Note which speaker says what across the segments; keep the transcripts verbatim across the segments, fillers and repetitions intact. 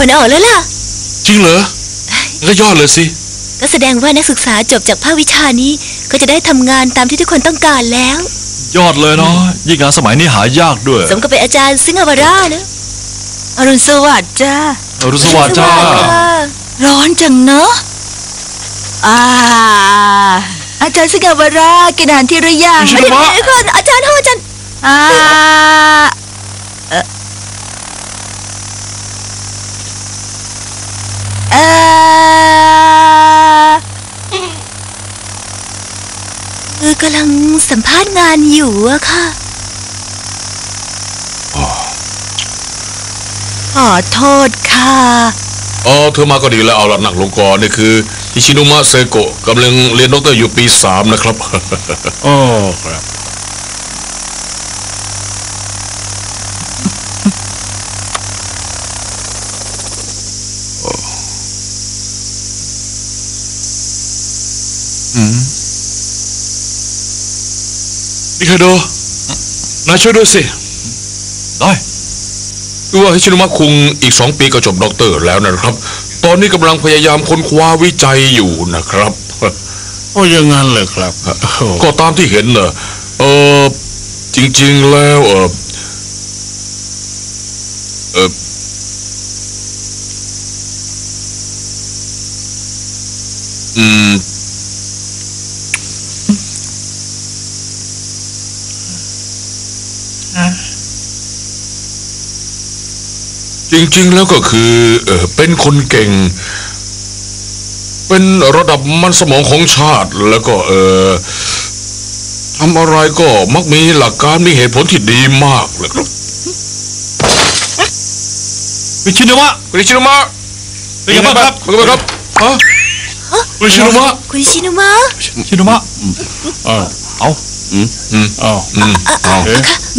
Speaker 1: ลออกแล้วล่ะ
Speaker 2: จริงเหรอก็ยอดเลยสิ
Speaker 1: ก็แสดงว่านักศึกษาจบจากภาควิชานี้ก็จะได้ทำงานตามที่ทุกคนต้องการแล้ว
Speaker 3: ยอดเลยเนาะยิ่งงานสมัยนี้หายากด้วย
Speaker 1: สมกับเป็นอาจารย์ซิงห์วารานะ
Speaker 4: อรุณสวัสดิ์จ้า
Speaker 3: อรุณสวัสดิ์จ้า
Speaker 4: ร้อนจังเนอะอ่าอาจารย์ซิงห์วารากินอาหารที่หรือยัง
Speaker 1: ไม่ได้ก่อนอาจารย์โทษอาจารย์
Speaker 4: อ่าเออ
Speaker 1: คือกำลังสัมภาษณ์งานอยู่อะค่ะขอโทษค่ะ
Speaker 2: อ๋อเธอมาก็ดีแล้วเอาละหนักลงก่อนนี่คืออิชินุมะเซโกะกำลังเรียนด็อกเตอร์อยู่ปีสามนะครับ
Speaker 3: อ๋อครับ
Speaker 2: อืมนี่คาโดนายช่วยด้วยสิ
Speaker 3: ได้
Speaker 2: คือว่าฮิชินุมะคุงอีกสองปีก็จบด็อกเตอร์แล้วนะครับตอนนี้กำลังพยายามค้นคว้าวิจัยอยู่นะครับ
Speaker 5: โอ้ยังงั้นเลยครับ
Speaker 2: ก็ตามที่เห็นเนอะเออจริงๆแล้วเออเอออืมจริงๆแล้วก็คือเออเป็นคนเก่งเป็นระดับมันสมองของชาติแล้วก็เออทำอะไรก็มักมีหลักการมีเหตุผลที่ดีมากเลยครับ
Speaker 3: วิชินุมะ
Speaker 2: วิชินุมะ
Speaker 3: เป็นไงบ้างครับ
Speaker 2: เป็นไงบ้างครับฮะวิชินุมะ
Speaker 1: คุณชินุมะ
Speaker 3: ชินุมะ
Speaker 5: เอา
Speaker 3: เอา
Speaker 2: อืมอืม
Speaker 5: เอา
Speaker 2: อืมเอาเอ๊ะ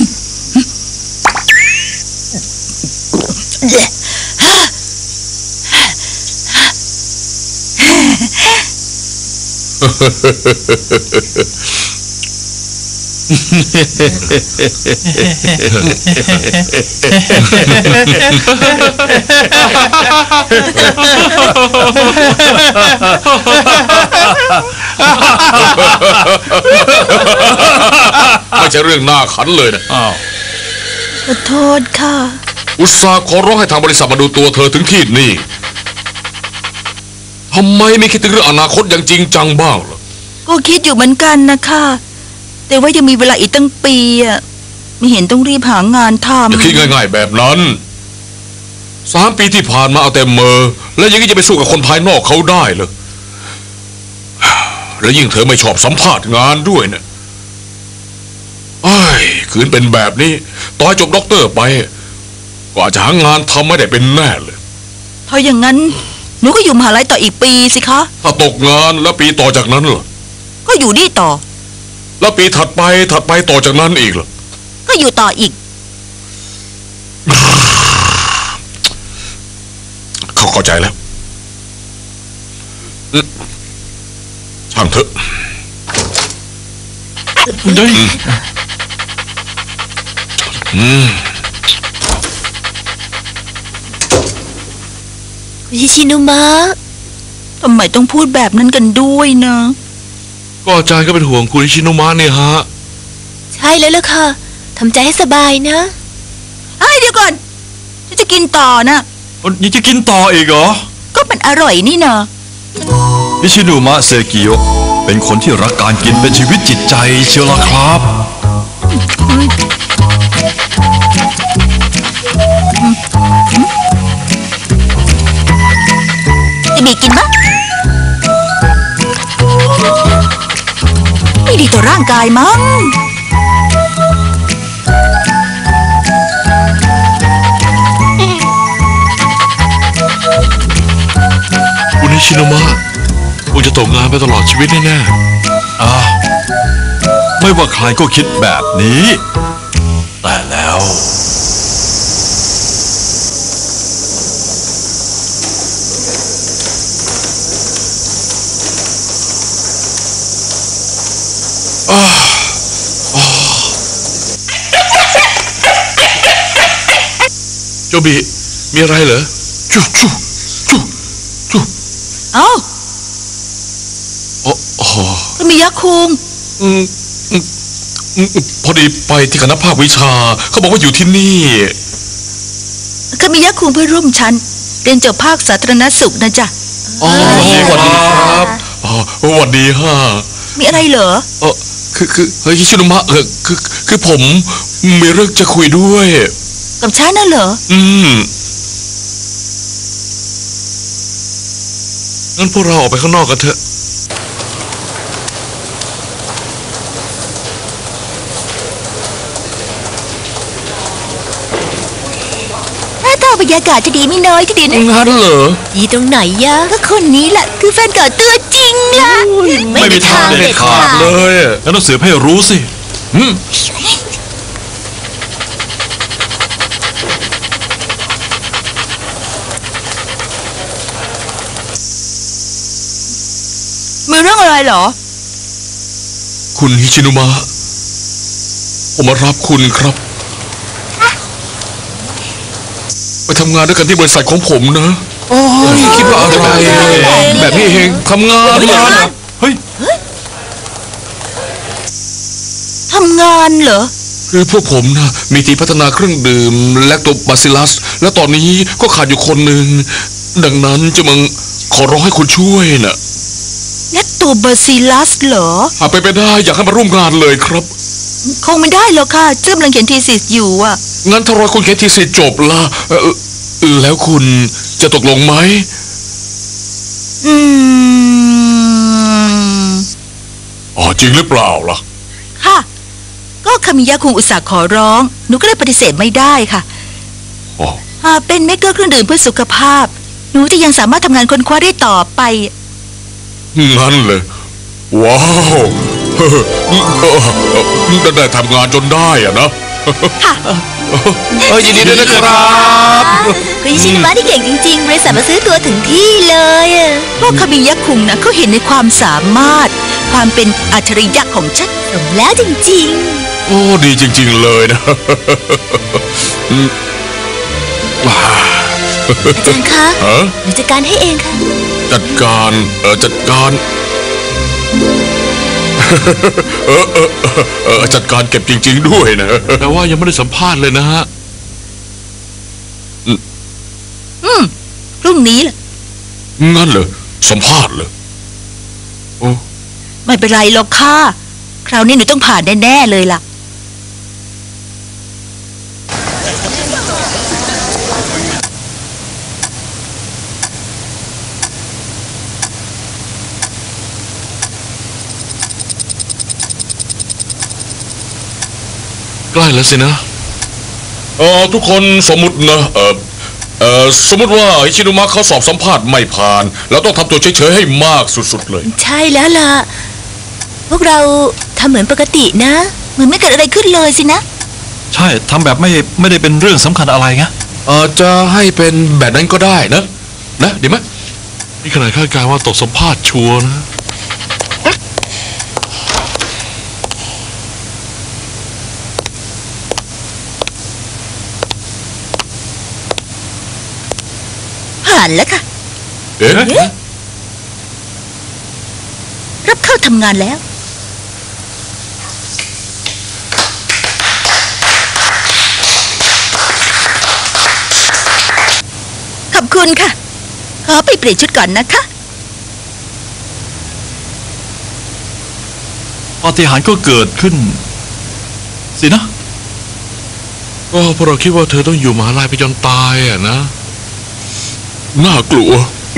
Speaker 2: ไม่ใช่เรื่องน่าขันเลยนะ
Speaker 5: อ้าว
Speaker 1: ขอโทษค่ะ
Speaker 2: อุตส่าห์ขอร้องให้ทางบริษัทมาดูตัวเธอถึงที่นี่ทำไมไม่คิดถึงเรื่องอนาคตอย่างจริงจังบ้างล่ะ
Speaker 4: ก็คิดอยู่เหมือนกันนะคะแต่ว่ายังมีเวลาอีกตั้งปีอ่ะไม่เห็นต้องรีบหางานทำ
Speaker 2: อย่าคิดง่ายๆแบบนั้นสามปีที่ผ่านมาเอาแต่เมอแล้วยังจะไปสู้กับคนภายนอกเขาได้เหรอแล้วยิ่งเธอไม่ชอบสัมภาษณ์งานด้วยเนี่ยไอ้คืนเป็นแบบนี้ต่อให้จบด็อกเตอร์ไปก็อาจจะหางานทำไม่ได้เป็นแน่เลย
Speaker 4: ถ้าอย่างนั้นหนูก็อยู่มหาลัยต่ออีกปีสิคะ
Speaker 2: ถ้าตกงานแล้วปีต่อจากนั้นล่ะ
Speaker 4: ก็อยู่นี่ต่อ
Speaker 2: แล้วปีถัดไปถัดไปต่อจากนั้นอีกล่ะ
Speaker 4: ก็อยู่ต่ออีก
Speaker 2: เขาเข้าใจแล้วช่างเถอะ
Speaker 3: ได้
Speaker 2: อืม
Speaker 1: คุณชินุมะ
Speaker 4: ทำไมต้องพูดแบบนั้นกันด้วยนะ
Speaker 2: ก็อาจารย์ก็เป็นห่วงคุณชินุมะเนี่ยฮะ
Speaker 1: ใช่แล้วล่ะค่ะทำใจให้สบายนะ
Speaker 4: ไอ้เดี๋ยวก่อนฉันจะกินต่อนะ
Speaker 3: ยังจะกินต่ออีกเหรอ
Speaker 4: ก็มันอร่อยนี่นะ
Speaker 3: ฮิชินุมะเซกิโยะเป็นคนที่รักการกินเป็นชีวิตจิตใจเชียวล่ะครับ
Speaker 4: จะมีกินมะไม่ดีต่อร่างกายมั้ง
Speaker 2: คุณนิชิโนมะคงจะตกงานไปตลอดชีวิตแน่
Speaker 3: ๆอ่าไม่ว่าใครก็คิดแบบนี้แต่แล้ว
Speaker 2: โจบิมีอะไรเหรอจุ๊จุ๊จุ๊จุ๊
Speaker 4: เอ้า
Speaker 2: อ๋ออ๋อ
Speaker 4: ก็มียักษ์คุง
Speaker 2: อืมอืมอืมพอดีไปที่คณะภาควิชา เขาบอกว่าอยู่ที่นี่
Speaker 4: ก็มียักษ์คุงเพื่อนร่วมชั้นเรียนจบภาคสาธารณสุขนะจ๊ะ
Speaker 2: อ๋อสวัสดีครับอ๋อสวัสดีฮะ
Speaker 4: มีอะไรเหรอ
Speaker 2: เออคือคือเฮ้ยฮิชิโนมะเออคือคือผมมีเรื่องจะคุยด้วย
Speaker 4: กับฉันน่ะเหรอ
Speaker 2: อืมงั้นพวกเราออกไปข้างนอกกันเถอะ
Speaker 4: หน้าตาบรรยากาศจะดีไม่น้อยทีเดียวนะ
Speaker 2: งั้นเหรอ
Speaker 1: ดีตรงไหนยะ
Speaker 4: ก็คนนี้แหละคือแฟนเก่าตัวจริงล่ะ
Speaker 1: ไม่มีทางเด็ดขาด
Speaker 2: เลยอะ
Speaker 3: แล้วต้องเสือให้รู้สิ
Speaker 2: อืม
Speaker 4: มีเรื่องอะไรเหรอ
Speaker 2: คุณฮิชิโนมะผมมารับคุณครับ ไปทำงานด้วยกันที่บริษัทของผมนะโอ้ยคิดว่าอะไรแบบนี้เองทำงานงานอะ
Speaker 3: เฮ้ย
Speaker 4: ทำงานเหรอ
Speaker 2: คือพวกผมนะมีทีมพัฒนาเครื่องดื่มแลคโตบาซิลัส และตอนนี้ก็ขาดอยู่คนหนึ่งดังนั้นจะมังขอร้องให้คุณช่วยนะ
Speaker 4: และตัวบาซิลัสเหรอ
Speaker 2: หากไปนไปได้อยากให้มาร่วมงานเลยครับ
Speaker 4: คงไม่ได้หรอกค่ะเจ้ากำลังเขียนทีสิสอยู่อ่ะ
Speaker 2: งั้นถ้ารอคุณเขียนทีสิจบละเอ่อแล้วคุณจะตกลงไหม
Speaker 4: อืม
Speaker 2: อ๋อจริงหรือเปล่าล่ะ
Speaker 4: ค่ะ ก็คามิยะคุงอุตส่าห์ขอร้อง หนูก็เลยปฏิเสธไม่ได้ค่ะ
Speaker 2: อ๋อ
Speaker 4: หากเป็นเมกเกอร์เครื่องดื่มเพื่อสุขภาพ หนูจะยังสามารถทำงานค้นคว้าได้ต่อไป
Speaker 2: งั้นเลย ว้าวเฮ้อเออเออได้ทำงานจนได้อะนะ
Speaker 4: ค่ะ
Speaker 2: เออยินดีด้วยนะครับ
Speaker 1: คุณฮิชิโนมะที่เก่งจริงๆ บริษัทมาซื้อตัวถึงที่เลยอะ
Speaker 4: พวกคามิยะคุงนะเขาเห็นในความสามารถ ความเป็นอัจฉริยะของฉัน
Speaker 1: สมแล้วจริง
Speaker 2: โอ้ดีจริง ๆ เลยนะ อืมว้า
Speaker 1: ๆ อาจารย์คะ
Speaker 2: ฮะ
Speaker 1: หนูจัดการให้เองค่ะ
Speaker 2: จัดการเออจัดการ เออเออเออเออจัดการเก็บจริง ๆ ด้วยนะ
Speaker 3: แต่ว่ายังไม่ได้สัมภาษณ์เลยนะฮะ
Speaker 4: อืมพรุ่งนี้แหละ
Speaker 2: งั้นเหรอสัมภาษณ์เหรอโอ้
Speaker 4: ไม่เป็นไรหรอกค่ะ คราวนี้หนูต้องผ่านแน่ๆเลยล่ะ
Speaker 3: ใกล้แล้วสินะ
Speaker 2: เออทุกคนสมมุตินะเออเออสมมุติว่าฮิชิโนมะเขาสอบสัมภาษณ์ไม่ผ่าน แล้วต้องทำตัวเฉยๆให้มากสุดๆเลย
Speaker 1: ใช่แล้วล่ะ พวกเราทำเหมือนปกตินะ
Speaker 4: เหมือนไม่เกิดอะไรขึ้นเลยสินะ
Speaker 3: ใช่ทำแบบไม่ไม่ได้เป็นเรื่องสำคัญอะไรไง
Speaker 2: เออจะให้เป็นแบบนั้นก็ได้นะ นะดีไหม
Speaker 3: นี่ขนาดคาดการณ์ว่าตกสัมภาษณ์ชัวร์นะ
Speaker 4: ผ่านแล้วค่ะ
Speaker 2: เอ๊ะ
Speaker 4: รับเข้าทำงานแล้ว ขอบคุณค่ะ ขอไปเปลี่ยนชุดก่อนนะคะ
Speaker 3: ปาฏิหาริย์ก็เกิดขึ้น สินะ
Speaker 2: ก็เพราะเราคิดว่าเธอต้องอยู่มหาลัยไปจนตายอ่ะนะ น่ากลัว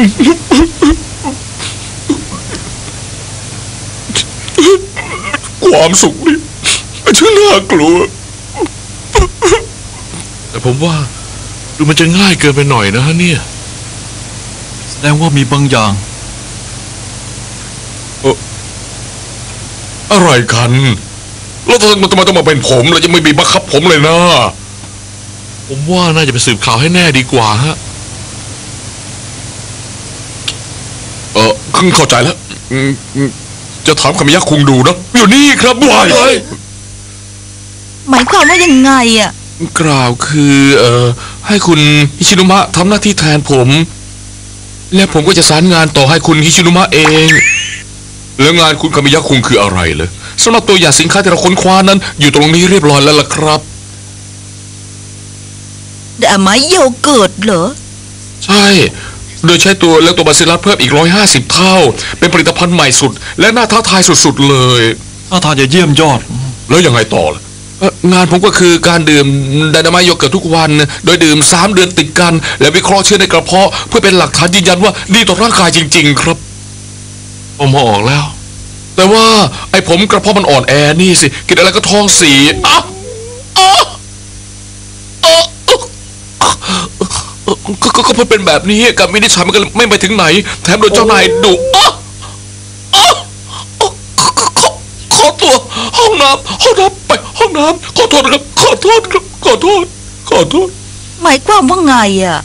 Speaker 2: ความสุขนี่ช่างน่ากลัว
Speaker 3: แต่ผมว่า ดูมันจะง่ายเกินไปหน่อยนะฮะเนี่ย แสดงว่ามีบางอย่าง
Speaker 2: อะไรกัน แล้วทำไมทำไมต้องมาเป็นผมแล้วจะไม่มีบังคับผมเลยนะ
Speaker 3: ผมว่าน่าจะไปสืบข่าวให้แน่ดีกว่าฮะ
Speaker 2: เออเพิ่งเข้าใจแล้วอืมอืมจะถามคำยักษ์คุงดูนะอยู่นี่ครับวาย
Speaker 4: หมายความว่ายังไงอ่ะ
Speaker 2: กล่าวคือ เออให้คุณฮิชินุมะทำหน้าที่แทนผม และผมก็จะสารงานต่อให้คุณฮิชินุมะเอง แล้วงานคุณคามิยะคุงคืออะไรเลยสำหรับตัวอย่างสินค้าที่เราค้นคว้านั้น อยู่ตรงนี้เรียบร้อยแล้วล่ะครับ
Speaker 4: แต่ไม้โยเกิร์ตเหรอ
Speaker 2: ใช่ โดยใช้ตัวเลคโตบาซิลลัสเพิ่มอีกร้อยห้าสิบเท่า เป็นผลิตภัณฑ์ใหม่สุด และน่าท้าทายสุดๆเลย
Speaker 3: ถ้าทานจะเยี่ยมยอด
Speaker 2: แล้วยังไงต่อล่ะเอ่องานผมก็คือการดื่มไดนาไมต์โยเกิร์ตทุกวัน โดยดื่มสามเดือนติดกัน และวิเคราะห์เชื้อในกระเพาะเพื่อเป็นหลักฐานยืนยันว่าดีต่อร่างกายจริงๆครับ
Speaker 3: ผมมาออกแล้ว
Speaker 2: แต่ว่าไอ้ผมกระเพาะมันอ่อนแอนี่สิกินอะไรก็ท้องเสียอ่ะอ่ะอ่ะก็ก็ก็เพราะเป็นแบบนี้การวินิจฉัยมันก็ไม่ไปถึงไหน แถมโดนเจ้านายดุอ่ะอ่ะอ่ะขอขอขอตัวห้องน้ำห้องน้ำไปห้องน้ำขอโทษนะครับขอโทษครับขอโทษขอโทษ
Speaker 4: หมายความว่าไงอ่ะ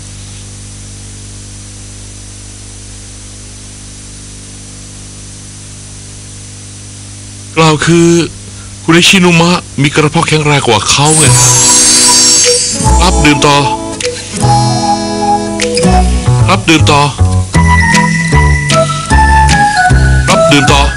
Speaker 3: กล่าวคือคุณอิชินุมะมีกระเพาะแข็งแรงกว่าเขาไงครับดื่มต่อครับดื่มต่อครับดื่มต่อ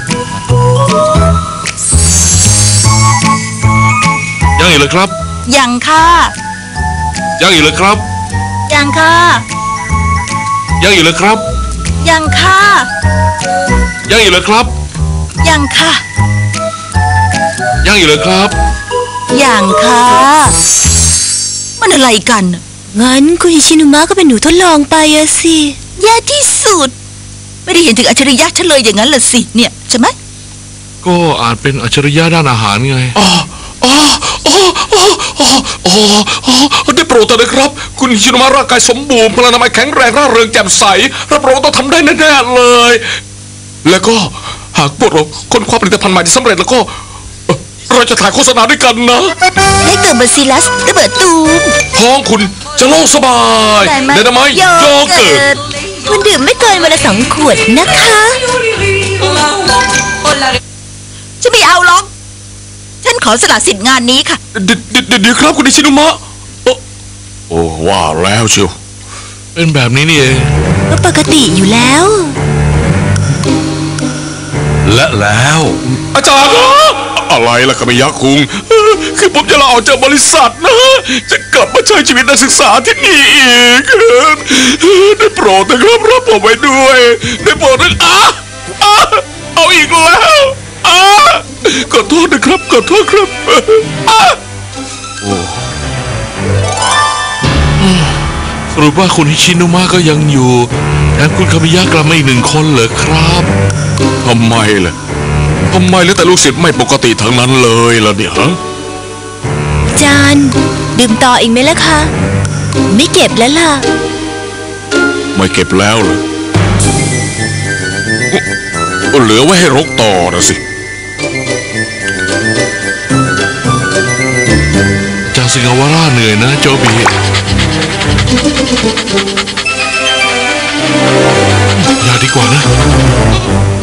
Speaker 3: ยังอีกเลยครับ
Speaker 4: ยังค่ะ
Speaker 3: ยังอีกเลยครับ
Speaker 4: ยังค่ะ
Speaker 3: ยังอีกเลยครับ
Speaker 4: ยังค่ะ
Speaker 3: ยังอีกเลยครับ
Speaker 4: ยังค่ะ
Speaker 3: ยังอีกเลยครับ
Speaker 4: ยังค่ะ มันอะไรกัน
Speaker 1: งั้นคุณฮิชินุมะก็เป็นหนูทดลองไปอะสิ
Speaker 4: แย่ที่สุด ไม่ได้เห็นถึงอัจฉริยะฉันเลยอย่างนั้นล่ะสิเนี่ยใช่ไหม
Speaker 3: ก็อาจเป็นอัจฉริยะด้านอาหารไง
Speaker 2: อ๋ออ๋ออ๋ออ๋ออ๋ออ๋อได้โปรดเถอะนะครับ คุณฮิชิโนมะร่างกายสมบูรณ์พลานามัยแข็งแรงร่าเริงแจ่มใสรับรองว่าต้องทำได้แน่ๆเลย แล้วก็หากพวกเราค้นคว้าผลิตภัณฑ์ใหม่ที่สำเร็จแล้วก็เอ่อเราจะถ่ายโฆษณาด้วยกันนะ
Speaker 4: เลคโตบาซิลลัสระเบิดตูม
Speaker 2: ท้องคุณจะโล่งสบายเดนามายโยเกิร์ต
Speaker 1: คุณดื่มไม่เกินวันละสองขวดนะคะ
Speaker 4: ฉันไม่เอาหรอก ฉันขอสละสิทธิ์งานนี้ค่ะ
Speaker 2: เดี๋ยวเดี๋ยวเดี๋ยวครับคุณฮิชิโนมะโอ้โอ้ว่าแล้วเชียว
Speaker 3: เป็นแบบนี้นี่เอง
Speaker 1: ก็ปกติอยู่แล้ว
Speaker 3: และแล้ว
Speaker 2: อาจารย์นะอะไรล่ะคามิยะคุงเออคือผมจะลาออกจากบริษัทนะ จะกลับมาใช้ชีวิตนักศึกษาที่นี่อีกเออได้โปรดนะครับรับผมไว้ด้วยได้โปรดนะอ่ะอ่ะเอาอีกแล้วอ่ะขอโทษนะครับขอโทษครับอ่ะ
Speaker 3: สรุปว่าคุณฮิชินุมะก็ยังอยู่แถมคุณคามิยะกลับมาอีกหนึ่งคนเหรอครับ
Speaker 2: ทำไมล่ะทำไมแล้วแต่ลูกศิษย์ไม่ปกติทั้งนั้นเลยล่ะเนี่ยฮะ
Speaker 1: จานดื่มต่ออีกไหมล่ะคะ ไม่เก็บแล้วล่ะ
Speaker 2: ไม่เก็บแล้วเหรอก็เหลือไว้ให้รกต่อนะสิ
Speaker 3: จางสิงาวาร่าเหนื่อยนะโจบีอย่าดีกว่านะ